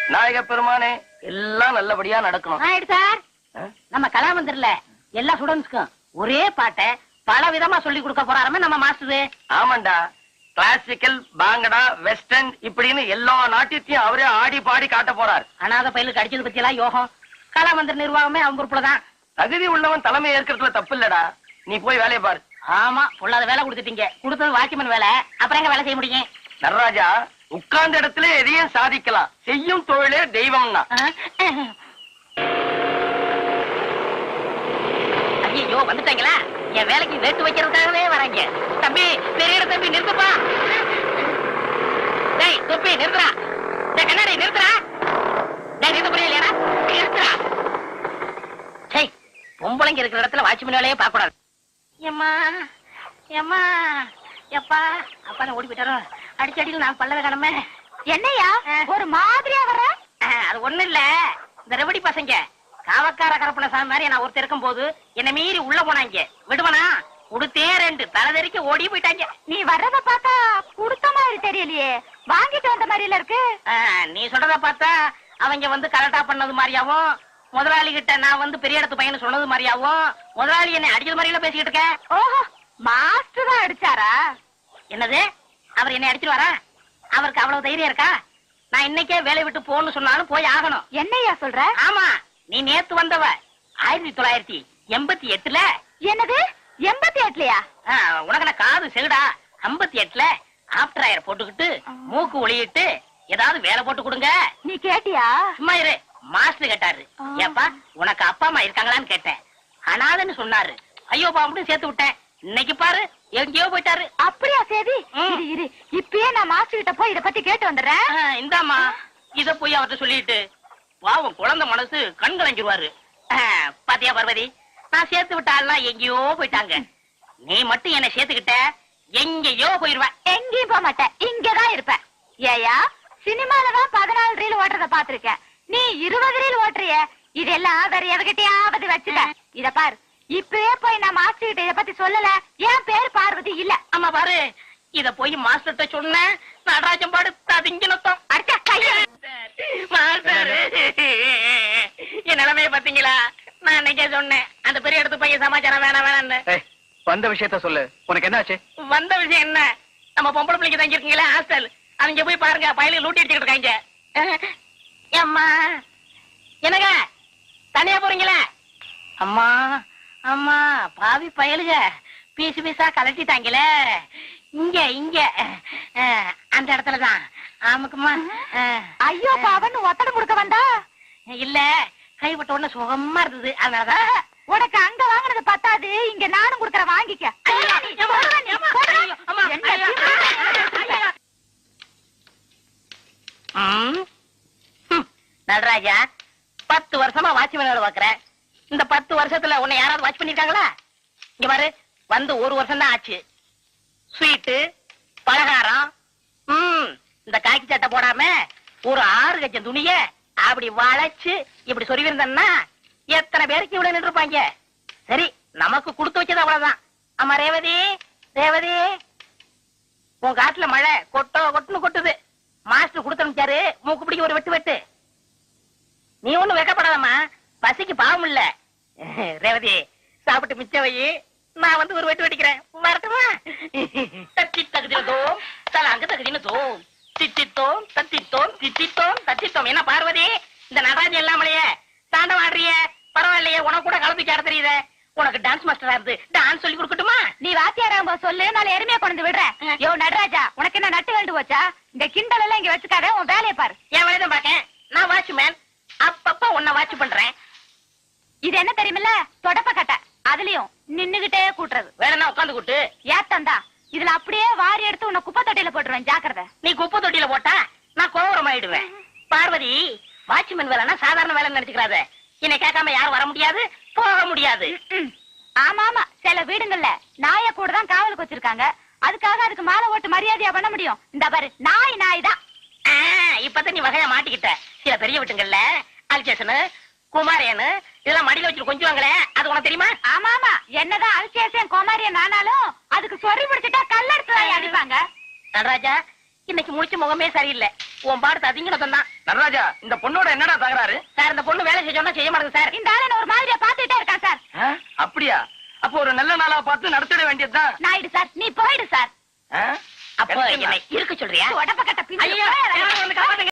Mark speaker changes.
Speaker 1: நாயக பெருமானே, எல்லாம் நல்லபடியா நடக்கணும்.
Speaker 2: சார், நம்ம கலாமந்திரல எல்லா ஸ்டூடெண்ட்ஸ்க்கும் ஒரே பாட்டை பல விதமா சொல்லி கொடுக்க போறாருமே நம்ம மாஸ்டர்.
Speaker 1: ஆமாண்டா, கிளாசிக்கல், பாங்கடா, வெஸ்டர்ன் இப்படின்னு எல்லா நாட்டியத்தையும் அவரே ஆடி பாடி காட்ட போறார்.
Speaker 2: அனாத பயிலுக்கு அடிச்சது பத்தி எல்லாம் யோகம். கலாமந்திர நிர்வாகமே அவங்க பொறுப்புலதான்.
Speaker 1: தகுதி உள்ளவன் தலைமை ஏற்கிறதுல தப்பு இல்லடா. நீ போய் வேலையை பாரு.
Speaker 2: ஆமா, பொல்லாத வேலை கொடுத்துட்டீங்க. கொடுத்தது வாட்ச்மேன் வேலை, அப்புறம் எங்க வேலை செய்ய முடியும்?
Speaker 1: நடராஜா, உட்கார்ந்த இடத்துல எதையும் சாதிக்கலாம். செய்யும் தொழிலே தெய்வம்னா.
Speaker 2: ஐயோ, வந்துட்டாங்களா? என் வேலைக்கு வேட்டு வைக்கிறதுக்காகவே வராங்க. தம்பி, பெரிய தம்பி நிறுத்துப்பா. டேய் தொப்பி நிறுத்துறா. டேய் கண்ணாடி நிறுத்துறா. டேய் நிறுத்த புரியலையா? நிறுத்துறா. சே, பொம்பளைங்க இருக்கிற இடத்துல வாட்ச்மேன் வேலையே பார்க்க கூடாது. ஏம்மா ஏம்மா எப்பா அப்பா ஓடி போயிட்டாரோ. அடிச்சடியில் நான் பல்லவே கடமை.
Speaker 3: என்னையா ஒரு மாதிரியா வர?
Speaker 2: அது ஒண்ணு இல்ல, இந்த ரெவடி பசங்க காவக்கார கரப்பன சாமி மாதிரி நான் ஒருத்தர் இருக்கும் போது என்ன மீறி உள்ள போனாங்க. விடுவனா? உடுத்தே ரெண்டு தலைதறிக்க ஓடி போயிட்டாங்க.
Speaker 3: நீ வர்றத பார்த்தா குடுத்த மாதிரி தெரியலையே, வாங்கிட்டு வந்த மாதிரில இருக்கு.
Speaker 2: நீ சொல்றத பார்த்தா அவங்க வந்து கரெக்டா பண்ணது மாதிரியாவும், முதலாளி கிட்ட நான் வந்து பெரிய இடத்து பையன் சொன்னது மாதிரியாவும், முதலாளி என்னை அடிச்சது மாதிரிலாம் பேசிக்கிட்டு இருக்கேன்.
Speaker 3: ஓஹோ, மாஸ்டர் தான் அடிச்சாரா?
Speaker 2: என்னது, அவர் என்னை அடிச்சிருவாரா? அவருக்கு அவ்வளவு தைரியம் இருக்கா? நான் இன்னைக்கே வேலை விட்டு போன்னு சொன்னாலும் போய் ஆகணும்.
Speaker 3: என்னையா சொல்ற?
Speaker 2: ஆமா, நீ நேத்து வந்தவ 1988ல.
Speaker 3: என்னது 88லயா?
Speaker 2: உனக்கு நான் காது செகுடா. 58ல ஆப்டர் ஆயர் போட்டுக்கிட்டு மூக்கு ஒளியிட்டு ஏதாவது வேலை போட்டு கொடுங்க.
Speaker 3: நீ கேட்டியா?
Speaker 2: சும்மா இரு. மாஸ்டர் கேட்டாரு, ஏப்பா உனக்கு அப்பா அம்மா இருக்காங்களான்னு கேட்டேன். அனாதன்னு சொன்னாரு. ஐயோ பாம்புன்னு சேர்த்து விட்டேன். இன்னைக்கு பாரு எங்கேயோ போயிட்டாரு.
Speaker 3: அப்படியா? சரி இரு, இப்பயே நான் மாஸ்டர் கிட்ட போய் இத பத்தி கேட்டு வந்துடுறேன்.
Speaker 2: இந்தாமா, இத போய் அவர்கிட்ட சொல்லிட்டு பாவம் குழந்தை மனசு கண் கலங்கிடுவாரு. பாத்தியா பார்வதி, நான் சேர்த்து விட்டாலாம் எங்கேயோ போயிட்டாங்க. நீ மட்டும் என்ன சேர்த்துக்கிட்ட எங்கேயோ போயிருவ.
Speaker 3: எங்கேயும் போக மாட்டேன், இங்கதான் இருப்பேன். ஏயா, சினிமாலதான் 14 ரீல் ஓட்டுறத பாத்திருக்கேன், நீ 20 ரீல் ஓட்டுறிய. இதெல்லாம் வேற எவகிட்டயாவது வச்சுட்ட. இத பாரு, இப்பவே போய் நான் மாஸ்டர் கிட்ட இத பத்தி சொல்லல. என் பேர் பார்வதி இல்ல.
Speaker 2: ஆமா பாரு, இத போய் மாஸ்டர்ட்ட சொன்ன நடராஜன் பாடு திங்கினத்தம்
Speaker 3: அடிச்ச கைய.
Speaker 2: மாஸ்டர், என் நிலைமைய பாத்தீங்களா? நான் இன்னைக்கே சொன்னேன் அந்த பெரிய இடத்து பையன் சமாச்சாரம் வேணாம் வேணான்னு.
Speaker 1: வந்த விஷயத்த சொல்லு, உனக்கு என்ன ஆச்சு?
Speaker 2: வந்த விஷயம் என்ன, நம்ம பொம்பளை பிள்ளைங்க தங்கி இருக்கீங்களா ஹாஸ்டல், அவங்க போய் பாருங்க, பயிலுக்கு லூட்டி அடிச்சுட்டு இருக்காங்க. அம்மா என்னங்க தனியா போறீங்களா? அம்மா அம்மா, பாவி பயலுக பீசு பீசா கலட்டிட்டாங்களே. இங்க இங்க அந்த இடத்துலதான். ஆமாக்குமா.
Speaker 3: ஐயோ பாவன்னு ஒத்தடை கொடுக்க வந்தா?
Speaker 2: இல்ல, கைப்பட்ட உடனே சுகமா இருந்தது, அதனாலதான்.
Speaker 3: உனக்கு அங்க வாங்கினது பத்தாது, இங்க நானும் கொடுக்கற வாங்கிக்க.
Speaker 2: நடராஜா, 10 வருஷமா வாட்ச்மேன் வேலை பாக்குறேன். இந்த 10 வருஷத்துல உன்னை யாராவது வாட்ச் பண்ணிருக்காங்களா? இங்க பாரு, வந்து 1 வருஷம் தான் ஆச்சு. ஸ்வீட்டு பலகாரம், இந்த காக்கி சட்டை போடாம ஒரு 6 கஜம் துணிய அப்படி வளைச்சு இப்படி சொருவிருந்தா எத்தனை பேருக்கு இவ்வளவு நின்று இருப்பாங்க. சரி, நமக்கு கொடுத்து வச்சது அவ்வளவுதான். ஆமா ரேவதி, ரேவதி, உன் காட்டுல மழை கொட்டுன்னு கொட்டுது. மாஸ்டர் கொடுத்து அனுப்பிச்சாரு, மூக்கு பிடிக்க ஒரு வெட்டு வெட்டு. நீ ஒண்ணும் வெக்கப்படாதம்மா, பசிக்கு பாவம் இல்ல. ரேவதி, சாப்பிட்டு மிச்ச வை, நான் வந்து ஒரு வெட்டு வெட்டிக்கிறேன். வரட்டுமா? தத்தி தகுதினதோம் தலாங்க தகுதினதோம் தித்தித்தோம் தத்தித்தோம் தித்தித்தோம் தத்தித்தோம். என்ன பார்வதி, இந்த நடராஜன் இல்லாமலையே தாண்டம் ஆடுறிய? பரவாயில்லையே, உனக்கு கூட கலப்பிச்சு ஆட தெரியுது. உனக்கு டான்ஸ் மாஸ்டரா இருந்து டான்ஸ் சொல்லி கொடுக்கட்டுமா?
Speaker 3: நீ வாத்தியாராம்ப சொல்லு, நான் எருமையா கொண்டு விடுறேன். யோ நடராஜா, உனக்கு என்ன நட்டு வேண்டு போச்சா? இந்த கிண்டல் எல்லாம் இங்க வச்சுக்காத, உன் வேலையை பாரு.
Speaker 2: என் வேலை தான் பாக்கேன். நான் வாட்ச்மேன், அப்பப்ப உன்னை வாட்ச் பண்றேன்.
Speaker 3: இது என்ன தெரியுமில்ல, தொடப்ப கட்டை. அதுலயும் நின்னுகிட்டே கூட்டுறது.
Speaker 2: வேணும்னா உட்காந்து கூட்டு.
Speaker 3: ஏத்தந்தா, இதுல அப்படியே வாரி எடுத்து உன்னை குப்பை தொட்டியில போட்டுருவேன், ஜாக்கிரதை.
Speaker 2: நீ குப்பை தொட்டியில போட்டா நான் கோவரம் ஆயிடுவேன். பார்வதி, வாட்ச்மேன் வேலைன்னா சாதாரண வேலை நினைச்சுக்கிறாத. என்னை கேட்காம யாரும் வர முடியாது, போக முடியாது.
Speaker 3: ஆமா ஆமா, சில வீடுங்கள்ல நாய கூட தான் காவலுக்கு வச்சிருக்காங்க. அதுக்காக அதுக்கு மாலை ஓட்டு மரியாதையா பண்ண முடியும்? இந்த பாரு, நாய் தான்.
Speaker 2: இப்பதான் நீ வகையா மாட்டிக்கிட்ட. சில பெரிய வீட்டுங்கள்ல அல்சேஷனு குமாரியனு இதெல்லாம் மடியில வச்சு கொஞ்சுவாங்களே, அது உனக்கு தெரியுமா?
Speaker 3: ஆமா ஆமா, என்னதான் அல்சேஷன் குமாரியன் ஆனாலும் அதுக்கு சொறி பிடிச்சிட்டா கல்லெடுத்து அடிப்பாங்க.
Speaker 2: நடராஜா, இன்னைக்கு முடிச்ச முகமே சரியில்லை. உன் பாடத்தை அதிகணும் தான்.
Speaker 1: நடராஜா, இந்த பொண்ணோட என்னடா தகராறு?
Speaker 2: சார் இந்த பொண்ணு வேலை செய்ய சொன்னா செய்ய மாட்டேங்குது சார்.
Speaker 3: இந்த ஆளு ஒரு மாதிரியா பாத்துட்டே இருக்கான் சார்.
Speaker 1: அப்படியா? அப்போ ஒரு நல்ல நாளா பார்த்து நடத்திட வேண்டியதுதான்.
Speaker 3: நாயுடு சார், நீ போயிடு சார்.
Speaker 2: அப்போ என்னை இருக்க சொல்றியா?
Speaker 3: உடம்ப கட்ட
Speaker 2: ஐயோ, யாராவது வந்து காப்பாத்துங்க.